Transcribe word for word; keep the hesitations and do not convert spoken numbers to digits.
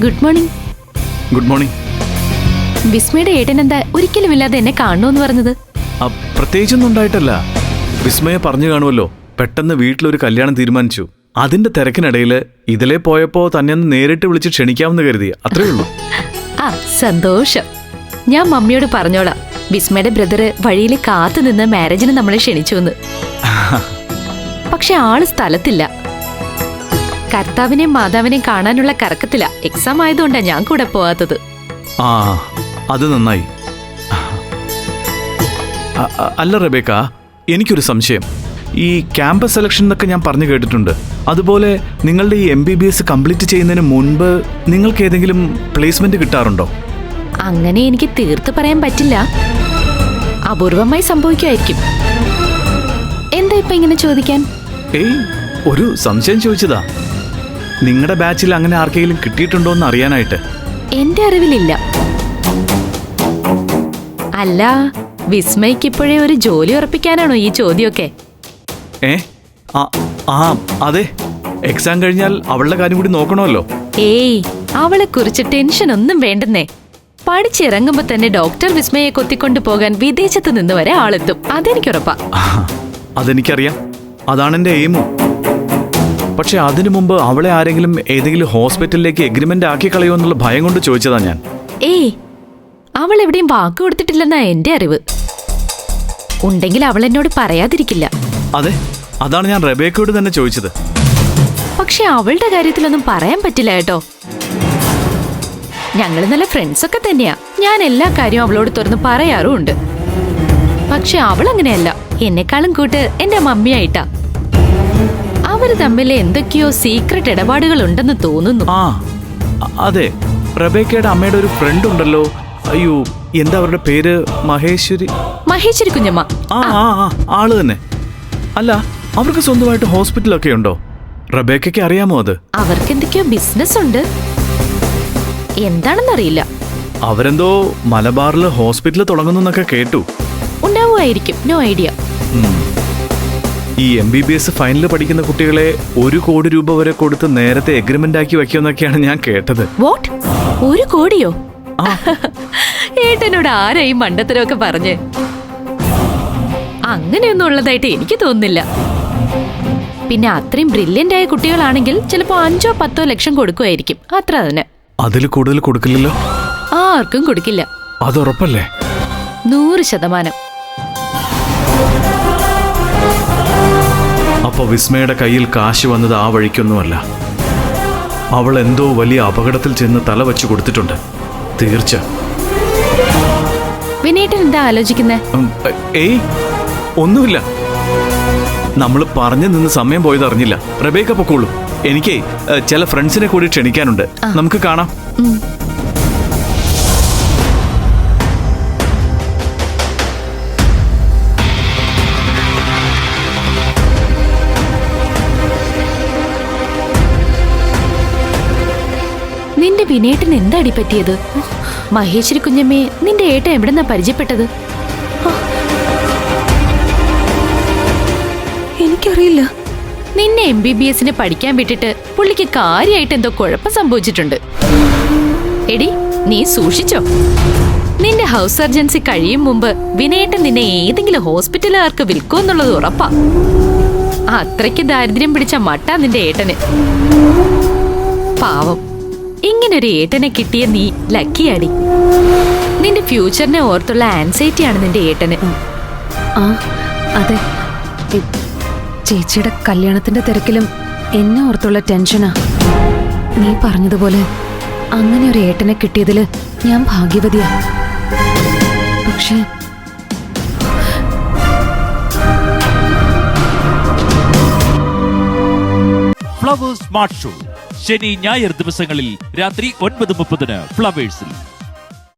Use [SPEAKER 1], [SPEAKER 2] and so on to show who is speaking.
[SPEAKER 1] Good morning.
[SPEAKER 2] Good morning.
[SPEAKER 1] വിസ്മയുടെ ഏട്ടൻ എന്താ ഒരിക്കലും ഇല്ലാതെ എന്നെ കാണുമെന്ന് പറഞ്ഞത്?
[SPEAKER 2] പ്രത്യേകിച്ചൊന്നും ഉണ്ടായിട്ടല്ല. വിസ്മയെ പറഞ്ഞു കാണുമല്ലോ, പെട്ടെന്ന് വീട്ടിലൊരു കല്യാണം തീരുമാനിച്ചു. അതിന്റെ തിരക്കിനിടയിൽ ഇതിലേ പോയപ്പോ തന്നെ ഒന്ന് നേരിട്ട് വിളിച്ച് ക്ഷണിക്കാമെന്ന് കരുതി, അത്രേ ഉള്ളൂ.
[SPEAKER 1] ആ സന്തോഷം. ഞാൻ മമ്മിയോട് പറഞ്ഞോളാം, വിസ്മയുടെ ബ്രദറ് വഴിയിൽ കാത്തു നിന്ന് മാരേജിന് നമ്മളെ ക്ഷണിച്ചു എന്ന്. പക്ഷെ ആള് സ്ഥലത്തില്ല. കർത്താവിനെയും മാതാവിനെയും കാണാനുള്ള കറക്കത്തില്ല. എക്സാം ആയതുകൊണ്ടാ ഞാൻ കൂടെ പോവാത്തത്.
[SPEAKER 2] ആ അത് നന്നായി. അല്ല റബേക്ക, എനിക്കൊരു സംശയം. ഈ ക്യാമ്പസ് സെലക്ഷൻ എന്നൊക്കെ ഞാൻ പറഞ്ഞു കേട്ടിട്ടുണ്ട്. അതുപോലെ നിങ്ങളുടെ ഈ M B B S complete ചെയ്യുന്നതിന് മുൻപ് നിങ്ങൾക്ക് ഏതെങ്കിലും പ്ലേസ്മെന്റ് കിട്ടാറുണ്ടോ?
[SPEAKER 1] അങ്ങനെ എനിക്ക് തീർത്ത് പറയാൻ പറ്റില്ല. അപൂർവമായി സംഭവിക്കുമായിരിക്കും. എന്താ ഇപ്പൊ ഇങ്ങനെ ചോദിക്കാൻ?
[SPEAKER 2] ഏയ്, ഒരു സംശയം ചോദിച്ചതാ. നിങ്ങളുടെ ബാച്ചിൽ അങ്ങനെ ആർക്കെങ്കിലും കിട്ടിയിട്ടുണ്ടോ എന്ന് അറിയാനായിട്ട്.
[SPEAKER 1] എന്റെ അറിവിലില്ല. അല്ല, വിസ്മയ്ക്ക് ഇപ്പോഴേ ഒരു ജോലി ഉറപ്പിക്കാനാണോ ഈ ചോദ്യമൊക്കെ?
[SPEAKER 2] ഏ ആ അതെ, എക്സാം കഴിഞ്ഞാൽ അവളുടെ കാര്യം കൂടി നോക്കണമല്ലോ.
[SPEAKER 1] ഏയ്, അവളെ കുറിച്ച് ടെൻഷൻ ഒന്നും വേണ്ടെന്നേ. പഠിച്ചിറങ്ങുമ്പോ തന്നെ ഡോക്ടർ വിസ്മയെ കൊത്തിക്കൊണ്ടു പോകാൻ വിദേശത്ത് നിന്ന് വരെ ആളെത്തും. അതെനിക്കുറപ്പാ.
[SPEAKER 2] അതെനിക്കറിയാം, അതാണ് എന്റെ എയിമും. പക്ഷെ അതിനു മുമ്പ് അവളെ ആരെങ്കിലും ഏതെങ്കിലും ഹോസ്പിറ്റലിലേക്ക് എഗ്രിമെന്റ് ആക്കി കളയോ എന്നുള്ള ഭയം കൊണ്ട് ചോദിച്ചതാ ഞാൻ.
[SPEAKER 1] ഏയ്, അവൾ എവിടെയും വാക്ക് കൊടുത്തിട്ടില്ലെന്നാ എന്റെ അറിവ്. ഉണ്ടെങ്കിൽ അവൾ എന്നോട് പറയാതിരിക്കില്ല.
[SPEAKER 2] അതെ, അതാണ് ഞാൻ റബേക്കയോട് തന്നെ ചോദിച്ചത്.
[SPEAKER 1] പക്ഷെ അവളുടെ കാര്യത്തിലൊന്നും പറയാൻ പറ്റില്ല കേട്ടോ. ഞങ്ങൾ നല്ല ഫ്രണ്ട്സ് ഒക്കെ തന്നെയാ. ഞാൻ എല്ലാ കാര്യവും അവളോട് തുറന്ന് പറയാറുമുണ്ട്. പക്ഷെ അവൾ അങ്ങനെയല്ല. എന്നെക്കാളും കൂട്ട് എന്റെ മമ്മിയായിട്ടാ. അവര് തമ്മിൽ എന്തൊക്കെയോ സീക്രട്ട് ഇടപാടുകൾ ഉണ്ടെന്ന് തോന്നുന്നു.
[SPEAKER 2] ആ അതെ, റബേക്കയുടെ അമ്മയുടെ ഒരു ഫ്രണ്ട് ഉണ്ടല്ലോ. അയ്യോ, എന്താ അവരുടെ പേര്? മഹേശ്വരി.
[SPEAKER 1] മഹേശ്വരി കുഞ്ഞമ്മ.
[SPEAKER 2] ആ ആ ആള് തന്നെ. അല്ല, അവർക്ക് സ്വന്തമായിട്ട് ഹോസ്പിറ്റലൊക്കെ ഉണ്ടോ? റബേക്കയ്ക്ക് അറിയാമോ അത്?
[SPEAKER 1] അവർക്ക് എന്തൊക്കെയോ ബിസിനസ് ഉണ്ട്, എന്താണെന്നറിയില്ല.
[SPEAKER 2] അവരെന്തോ മലബാറിൽ ഹോസ്പിറ്റൽ തുടങ്ങുന്നൊക്കെ കേട്ടു.
[SPEAKER 1] ഉണ്ടാവുമായിരിക്കും, നോ ഐഡിയ.
[SPEAKER 2] ഈ എം ബി ബി എസ് ഫൈനലിൽ പഠിക്കുന്ന കുട്ടികളെ ഒരു കോടി രൂപ വരെ കൊടുത്ത് നേരത്തെ എഗ്രിമെന്റ് ആക്കി വെക്കുമെന്നൊക്കെയാണ് ഞാൻ കേട്ടത്.
[SPEAKER 1] വാട്ട്? ഒരു കോടിയോ? ഏട്ടനോട് ആരായി മണ്ടത്തരമൊക്കെ പറഞ്ഞ്? അങ്ങനെയൊന്നും ഉള്ളതായിട്ട് എനിക്ക് തോന്നുന്നില്ല. പിന്നെ അത്രയും ബ്രില്യന്റ് ആയ കുട്ടികളാണെങ്കിൽ ചിലപ്പോ അഞ്ചോ പത്തോ ലക്ഷം കൊടുക്കുമായിരിക്കും, അത്ര തന്നെ.
[SPEAKER 2] അതിൽ കൂടുതൽ കൊടുക്കില്ലല്ലോ?
[SPEAKER 1] ആർക്കും കൊടുക്കില്ല.
[SPEAKER 2] അതുറപ്പല്ലേ?
[SPEAKER 1] നൂറ് ശതമാനം.
[SPEAKER 2] അപ്പൊ വിസ്മയുടെ കയ്യിൽ കാശ് വന്നത് ആ വഴിക്കൊന്നുമല്ല. അവൾ എന്തോ വലിയ അപകടത്തിൽ ചെന്ന് തല വെച്ച് കൊടുത്തിട്ടുണ്ട്, തീർച്ച.
[SPEAKER 1] വിനേട്ടൻ എന്താ ആലോചിക്കുന്നേ?
[SPEAKER 2] ഏയ് ഒന്നുമില്ല. നമ്മൾ പറഞ്ഞു നിന്ന് സമയം പോയത് അറിഞ്ഞില്ല. റബേക്ക പൊക്കോളൂ. എനിക്ക് ചില ഫ്രണ്ട്സിനെ കൂടി ക്ഷണിക്കാനുണ്ട്. നമുക്ക് കാണാം.
[SPEAKER 1] നിന്റെ വിനേട്ടൻ എന്താടി പറ്റിയത്? മഹേശ്വരി കുഞ്ഞമ്മേ, നിന്റെ ഏട്ടൻ എവിടെന്നാ പരിചയപ്പെട്ടത്?
[SPEAKER 3] എനിക്കറിയില്ല.
[SPEAKER 1] നിന്നെ എം ബി ബി എസിന് പഠിക്കാൻ വിട്ടിട്ട് പുള്ളിക്ക് കാര്യമായിട്ട് എന്തോ കുഴപ്പം സംഭവിച്ചിട്ടുണ്ട്. എടി, നീ സൂക്ഷിച്ചോ. നിന്റെ ഹൗസ് സർജൻസി കഴിയും മുമ്പ് വിനേട്ടൻ നിന്നെ ഏതെങ്കിലും ഹോസ്പിറ്റലുകാർക്ക് വിൽക്കുമെന്നുള്ളത് ഉറപ്പാ. അത്രയ്ക്ക് ദാരിദ്ര്യം പിടിച്ച മട്ടാ നിന്റെ ഏട്ടന്. പാവം, ഇങ്ങനൊരു ഏട്ടനെ കിട്ടിയ നീ ലക്കിയാടി. നിന്റെ ഫ്യൂച്ചറിനെ ഓർത്തുള്ള ആൻസൈറ്റിയാണ് നിന്റെ ഏട്ടന്.
[SPEAKER 3] ആ അതെ, ചേച്ചിയുടെ കല്യാണത്തിന്റെ തിരക്കിലും എന്നെ ഓർത്തുള്ള ടെൻഷനാ. നീ പറഞ്ഞതുപോലെ അങ്ങനെ ഒരു ഏട്ടനെ കിട്ടിയതില് ഞാൻ ഭാഗ്യവതിയാ. പക്ഷേ
[SPEAKER 4] ഫ്ലവേഴ്സ് സ്മാർട്ട് ഷോ ശനി ഞായർ ദിവസങ്ങളിൽ രാത്രി ഒൻപത് മുപ്പതിന് ഫ്ലവേഴ്സിൽ.